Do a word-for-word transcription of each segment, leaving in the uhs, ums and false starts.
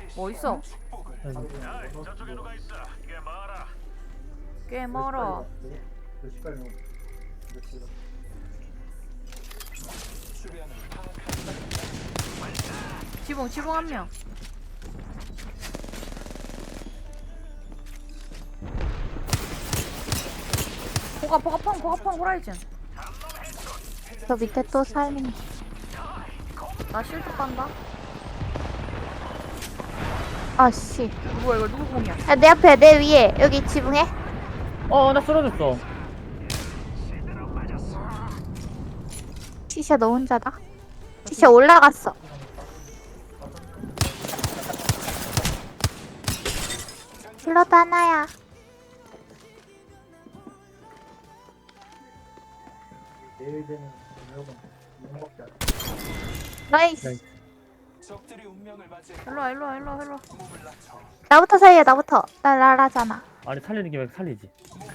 뭐 있어? 꽤 멀어. 지붕 지붕 한 명. 보가 보가 펑 보가 펑 호라이즌. 저 밑에 또 살림. 나 실드 빤다. 아씨. 뭐야 이거 누구 공이야? 야, 내 앞에, 내 위에. 여기 지붕에. 어, 나 쓰러졌어. 티샤 너 혼자다. 티샤 올라갔어. 슬러드 하나야. 나이스. 일로와 일로와 일로와 일로와. 나부터 살려, 나부터. 나 라라잖아. 아니, 살리는 김에 살리지.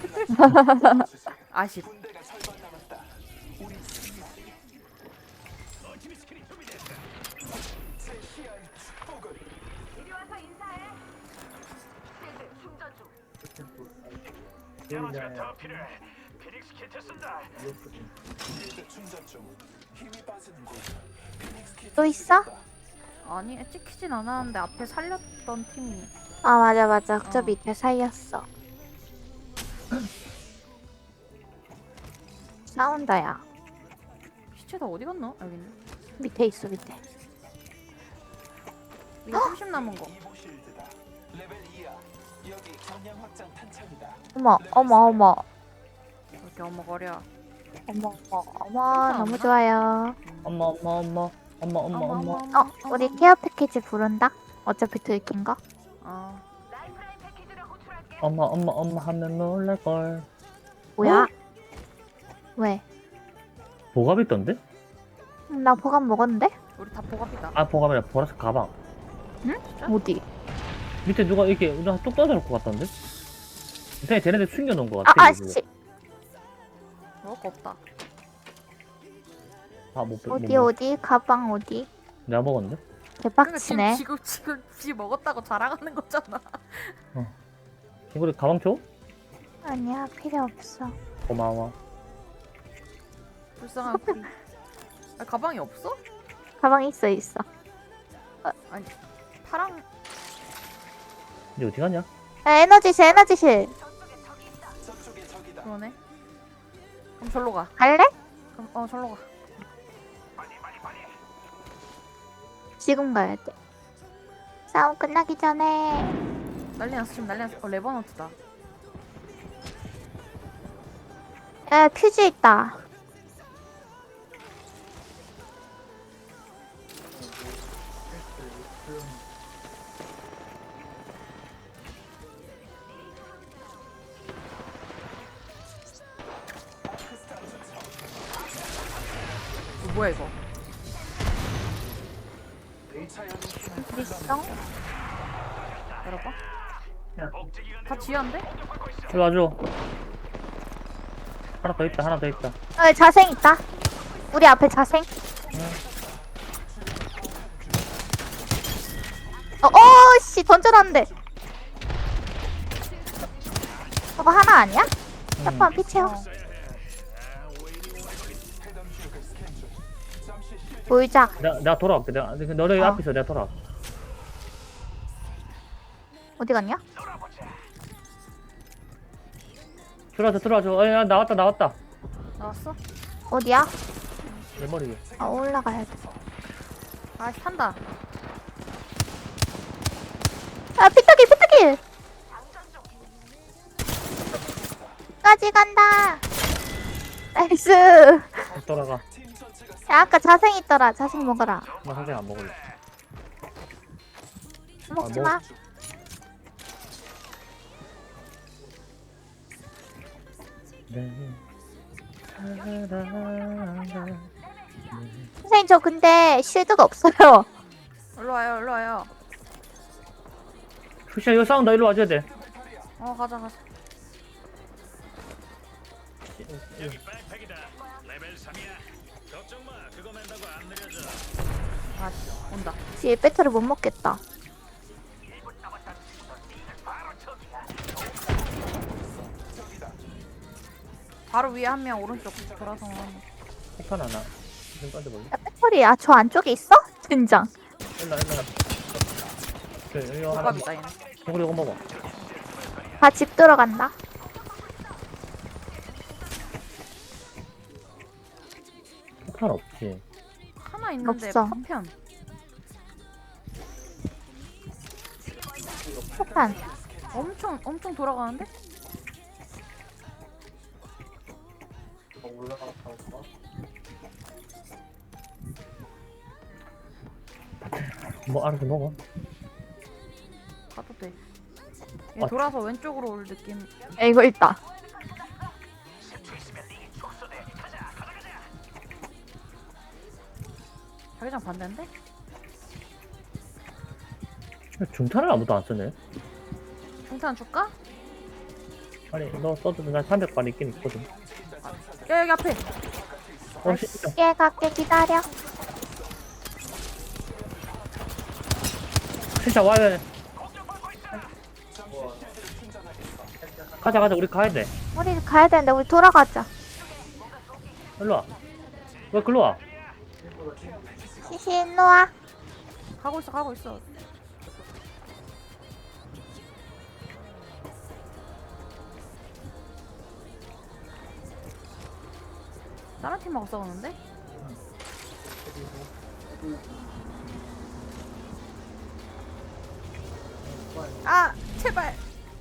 아쉽. 또 있어? 아니 찍히진 않았는데 앞에 살렸던 팀이. 아, 맞아, 맞아. 저 어. 밑에 살렸어. 싸운다, 야. 시체 다 어디 갔나? 여기 있네. 밑에 있어, 밑에. 이거 삼십 남은 거. 어머, 어머, 어머. 이렇게 어머거려. 어머, 어머, 어머. 너무 좋아요. 엄마, 엄마, 엄마. 엄마, 엄마, 엄마. 어, 우리 케어 패키지 부른다? 어차피 들킨 거? 어. 엄마, 엄마, 엄마 하면 놀랄걸. 뭐야? 어? 왜? 보갑 있던데? 음, 나 보관 먹었는데? 우리 다 보갑이다. 아, 보갑이 아니라 보라색 가방. 어디? 밑에 누가 이렇게 그냥 뚝 떨어져놓고 갔던데? 이상하게 쟤네들 숨겨놓은 것 아, 같아. 아씨. 먹을 거 없다. 아, 못, 못, 어디, 먹- 어디? 가방 어디? 내가 먹었는데? 대박치네. 지금 지금 지 먹었다고 자랑하는 거잖아. 이거 가방 줘? 아니야, 필요 없어. 고마워. 불쌍한 프리. 아, 가방이 없어? 가방 있어, 있어. 아니 파랑. 이제 어디 가냐? 야, 에너지실, 에너지실. 그러네. 그럼 절로 가. 갈래? 그럼 어 절로 가. 지금 가야 돼. 싸움 끝나기 전에. 난리 났어 지금 난리 났어. 어 레버너트다. 야, 퀴즈 있다. 어, 뭐야 이거? 있어? 열어봐. 다 지한데? 일로 와줘. 하나 더 있다, 하나 더 있다. 어, 자생 있다. 우리 앞에 자생. 어, 어, 씨, 던져놨는데. 저거 하나 아니야? 잠깐 피 채워. 보이자. 내가, 내가 돌아올게. 내가, 너네 어. 앞에 있어. 내가 돌아올게. 어디 갔냐? 들어와줘, 들어와줘. 어, 야, 나왔다, 나왔다. 나왔어? 어디야? 내 머리 위에. 아, 올라가야 돼. 아 탄다. 아, 피터길, 피터길! 까지 간다! 나이스! 돌아가. 야, 아까 자생 있더라. 자생 먹어라. 나 선생 안 먹을래. 먹지 뭐- 마. 네. 사랑한다. 선생님, 저 근데 쉴드가 없어요. 일로 와요 일로 와요. 푸시야, 이거 싸운다. 일로 와줘야 돼. 어 가자 가자. 아씨 온다. 뒤에 배터리 못 먹겠다. 바로 위에 한 명 오른쪽 돌아서. 폭탄 하나 좀 던져볼래? 야, 배터리, 아, 저 안쪽에 있어? 젠장. 일로 일로 그 이거 하나 조갑이다 얘는. 이거 이거 먹어. 다 집 들어간다. 폭탄 없지. 하나 있는데 없어. 파편. 폭탄. 엄청 엄청 돌아가는데? 뭐 알아서 먹어. 가도 돼. 얘 아. 돌아서 왼쪽으로 올 느낌. 야, 이거 있다. 자기장 반대인데? 중탄을 아무도 안 쓰네. 중탄 줄까? 아니 너 써도 난 삼백 발 있긴 있거든. 야 여기 앞에. 어 진짜. 얘 갈게, 기다려. 진짜 와야 돼. 가자 가자 우리 가야 돼. 우리 가야 되는데, 우리 돌아가자. 일로 와. 왜 글로 와? 시시, 일로 와. 가고 있어 가고 있어. 다른 팀하고 싸우는데? 아 제발.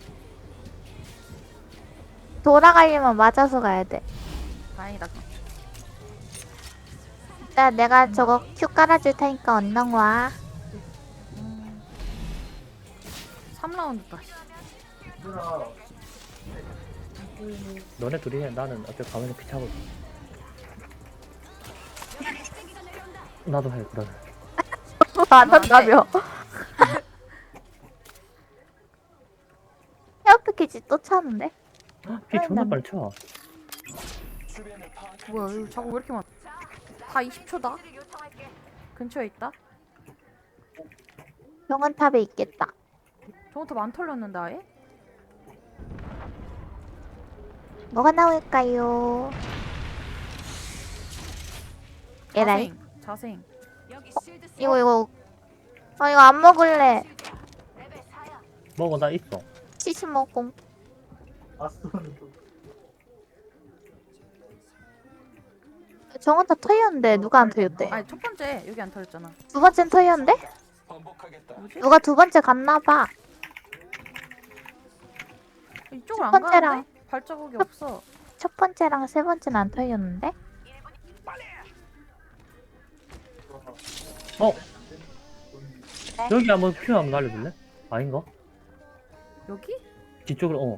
돌아가려면 맞아서 가야 돼. 다행이다. 야, 내가 저거 큐 깔아줄 테니까 얼른 와. 음. 삼 라운드다. 너네 둘이 해. 나는 어차피 가면서 피차고. 나도 해 그러면. 안 한다며. 헤어 패키지 또 차는데? 피 존나 빨리 쳐. 뭐야 여기 자꾸 왜 이렇게 많아? 다 이십 초다. 근처에 있다. 병원탑에 있겠다. 저거부터 안 털렸는데 아예? 뭐가 나올까요? 에라이. 자생. 자생. 이거 이거. 아 이거 안 먹을래. 먹어 나 있어. 치즈 먹고. 정원탑 터였는데 누가 안 터였대? 아니 첫 번째 여기 안 털렸잖아. 두 번째는 터였는데? 뭐지? 누가 두 번째 갔나봐. 이쪽을 안 첫 번째랑- 가는데? 발자국이 없어. 첫 번째랑 세 번째는 안 터였는데? 어 네. 여기 한번 큐 한번 날려줄래? 아닌가? 여기? 뒤쪽으로 어.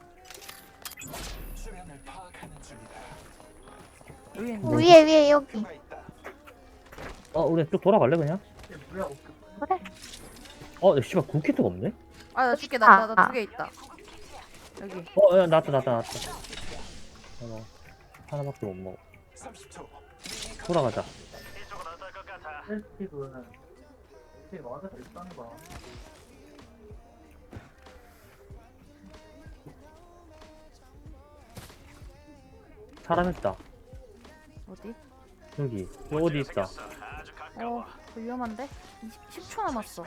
여기 네. 있는데. 위에 위에 여기. 어 우리 쭉 돌아갈래 그냥? 그래. 어 야, 씨발 굴키트가 없네? 아나 줄게 아, 나나 아. 두 개 있다. 여기. 어 야, 나왔다 나왔다 나왔다. 어, 하나밖에 못 먹어. 돌아가자. 사람 있다. 어디? 여기 여기 어디 있다. 어 그거 위험한데? 이십, 십 초 남았어.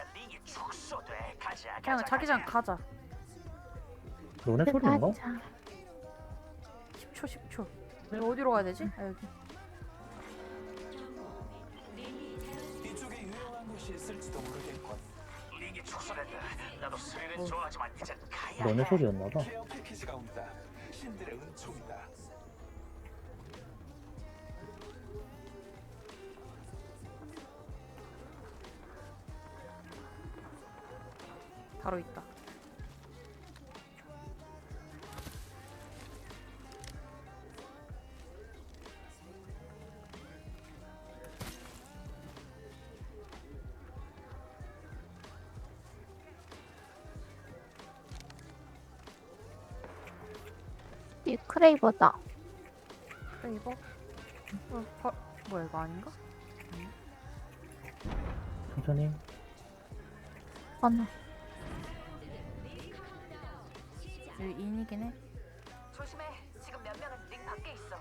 그냥 자기장 가자. 너네 소리인가? 가자. 십 초 십 초. 이거 어디로 가야 되지? 아 여기. 이쪽에 유용한 곳이 있을지도 모르겠군. 링이 축소된다. 나도 스릴은 어. 좋아하지만 이제 가야 너네 해. 소리였나봐. 케어 패키지가 온다. 신들의 은총이다. 바로 있다. 이 크레이버다. 그래 이거. 어, 바, 뭐야 이거 아닌가? 천천히. 번호. 여기 인이긴 해. 지금 몇 명은 링 밖에 있어.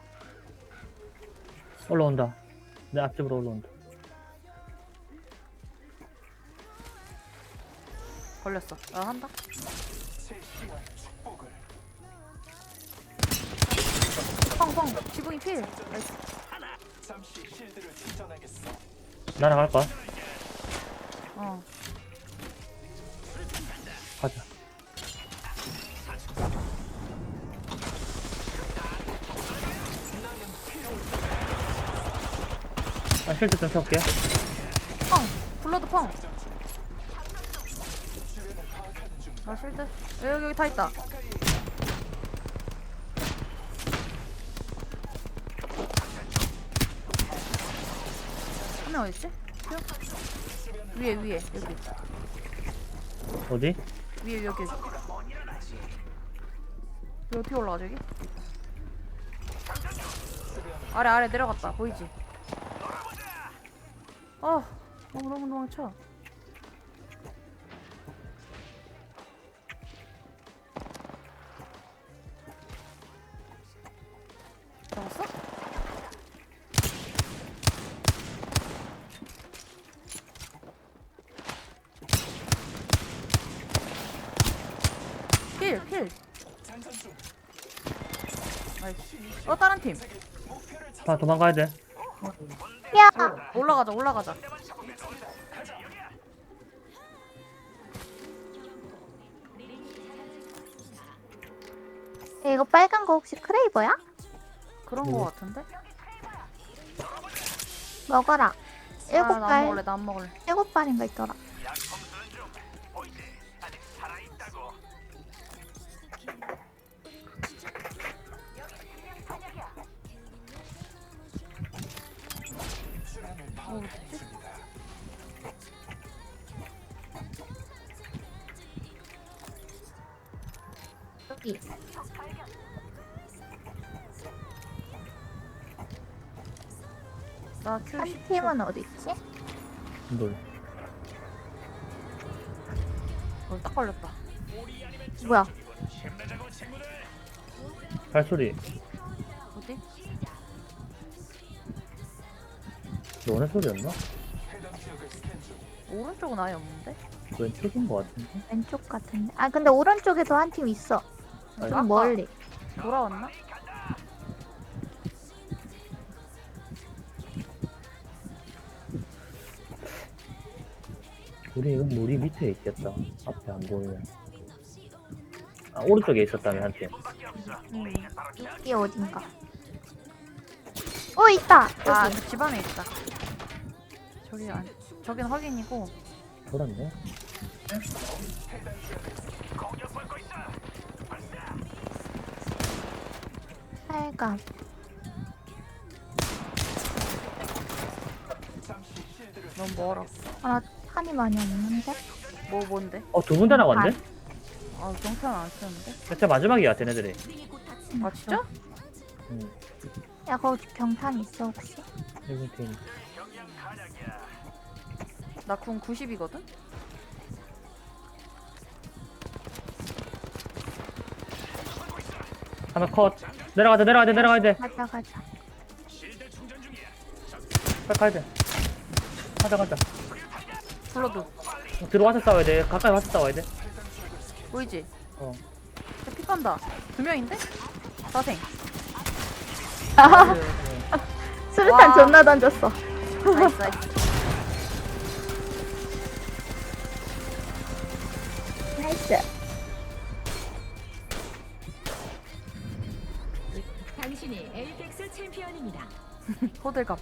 올라온다. 내 앞집으로 올라온다. 걸렸어. 나 한다. 제 귀한 축복을. 펑펑. 지붕이 필. 나이스. 잠시 실드를 충전하겠어. 날아갈 거야? 어. 가자. 아, 실드 좀 펴볼게. 펑. 블러드 펑. 나 실드. 여기 여기 다 있다. 한 명 어딨지? 위에 위에 여기. 어디? 위에 여기. 여기 어떻게 올라가 저기? 아래 아래 내려갔다. 보이지? 어 너무 너무 도망쳐. 잡았어? 필 필. 장전 중. 나이스. 어 다른 팀. 다 도망가야 돼. 야! 올라가자 올라가자. 야, 이거 빨간 거 혹시 크레이버야? 그런 거 같은데? 먹어라. 일곱 아, 나 안 발, 먹을래 나 안 먹을래. 일곱 발인가 있더라. 뭐 어딨지? 여기. 나 큐. 한 팀은 어디 있지? 뭘? 어, 딱 걸렸다. 뭐야? 발소리. 어디? 너네 소리였나? 해당 지역을 스캔 중. 오른쪽은 아예 없는데? 왼쪽인 거 같은데? 왼쪽 같은데. 아 근데 오른쪽에도 한 팀 있어. 아니, 좀 멀리. 돌아왔나? 우리 이건 물이 밑에 있겠다. 앞에 안 보이면. 아, 오른쪽에 있었다며, 한 팀. 응. 여기 어딘가. 어 있다. 아, 여기. 그 집안에 있다. 저기 안, 저긴 확인이고. 돌았네? 빨간. 너무 멀어. 아 탄이 많이 없는데? 뭐 뭔데? 어, 두 분 다 나갔네? 아, 경탄 안 쓰는데? 진짜 마지막이야, 쟤네들이. 아, 진짜? 응. 야 거기 경탄 있어 혹시? 일본 팀. 나 궁 구십이거든? 하나 컷. 내려가자, 내려가야 돼, 내려가야 돼. 가자 가자. 빨리 가야 돼. 가자, 가자. 블러드. 들어와서 싸워야 돼. 가까이 와서 싸워야 돼. 보이지? 어. 야, 피 간다. 두 명인데? 사생. 아 수류탄 와. 존나 던졌어. 나이스, 나이스. 나이스. 당신이 엘텍스 챔피언입니다. 호들갑.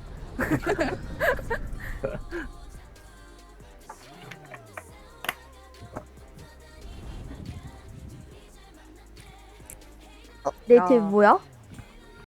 어, 내 야. 팀 뭐야?